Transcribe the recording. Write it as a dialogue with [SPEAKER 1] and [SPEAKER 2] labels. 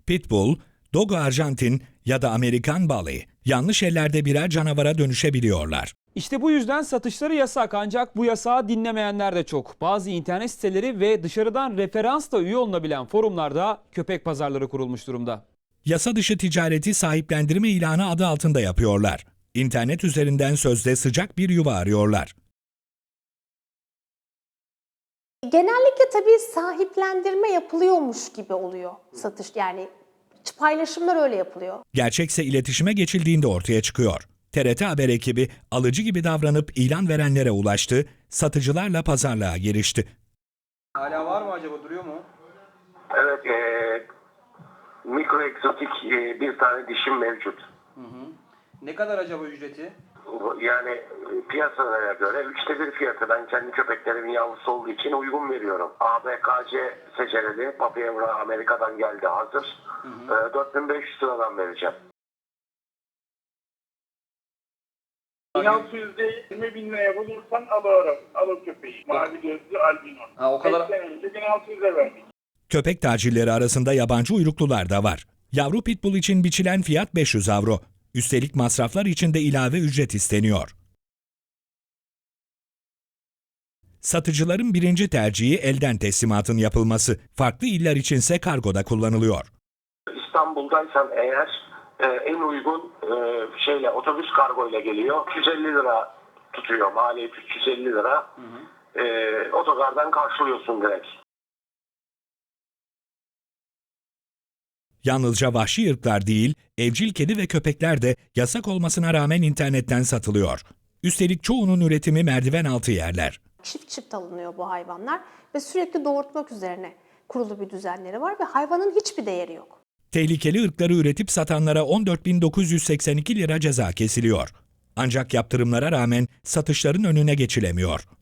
[SPEAKER 1] Pitbull, Dogo Arjantin ya da Amerikan Bully yanlış ellerde birer canavara dönüşebiliyorlar.
[SPEAKER 2] İşte bu yüzden satışları yasak, ancak bu yasağı dinlemeyenler de çok. Bazı internet siteleri ve dışarıdan referansla üye olunabilen forumlarda köpek pazarları kurulmuş durumda.
[SPEAKER 1] Yasa dışı ticareti sahiplendirme ilanı adı altında yapıyorlar. İnternet üzerinden sözde sıcak bir yuva arıyorlar.
[SPEAKER 3] Genellikle tabii sahiplendirme yapılıyormuş gibi oluyor satış, yani paylaşımlar öyle yapılıyor.
[SPEAKER 1] Gerçekse iletişime geçildiğinde ortaya çıkıyor. TRT Haber ekibi alıcı gibi davranıp ilan verenlere ulaştı, satıcılarla pazarlığa girişti.
[SPEAKER 2] Hala var mı acaba, duruyor mu?
[SPEAKER 4] Evet, mikro egzotik bir tane dişim mevcut.
[SPEAKER 2] Ne kadar acaba ücreti?
[SPEAKER 4] Yani piyasalara göre 1/3 fiyatı. Ben kendi köpeklerimin yavrusu olduğu için uygun veriyorum. ABKC seçereli, Papievra Amerika'dan geldi hazır. 4500 liradan vereceğim.
[SPEAKER 5] 1620 bin liraya bulursan alırım. Alır köpeği. Mavi gözlü albino.
[SPEAKER 2] Ha, o kadar.
[SPEAKER 5] 5 sene önce 1600'e verdik.
[SPEAKER 1] Köpek tacirleri arasında yabancı uyruklular da var. Yavru pitbull için biçilen fiyat 500 avro. Üstelik masraflar için de ilave ücret isteniyor. Satıcıların birinci tercihi elden teslimatın yapılması. Farklı iller içinse kargoda kullanılıyor.
[SPEAKER 4] İstanbul'daysan eğer en uygun otobüs kargoyla geliyor. 350 lira tutuyor. Maliyet 350 lira. Otogardan karşılıyorsun direkt.
[SPEAKER 1] Yalnızca vahşi ırklar değil, evcil kedi ve köpekler de yasak olmasına rağmen internetten satılıyor. Üstelik çoğunun üretimi merdiven altı yerler.
[SPEAKER 3] Çift çift alınıyor bu hayvanlar ve sürekli doğurtmak üzerine kurulu bir düzenleri var ve hayvanın hiçbir değeri yok.
[SPEAKER 1] Tehlikeli ırkları üretip satanlara 14.982 lira ceza kesiliyor. Ancak yaptırımlara rağmen satışların önüne geçilemiyor.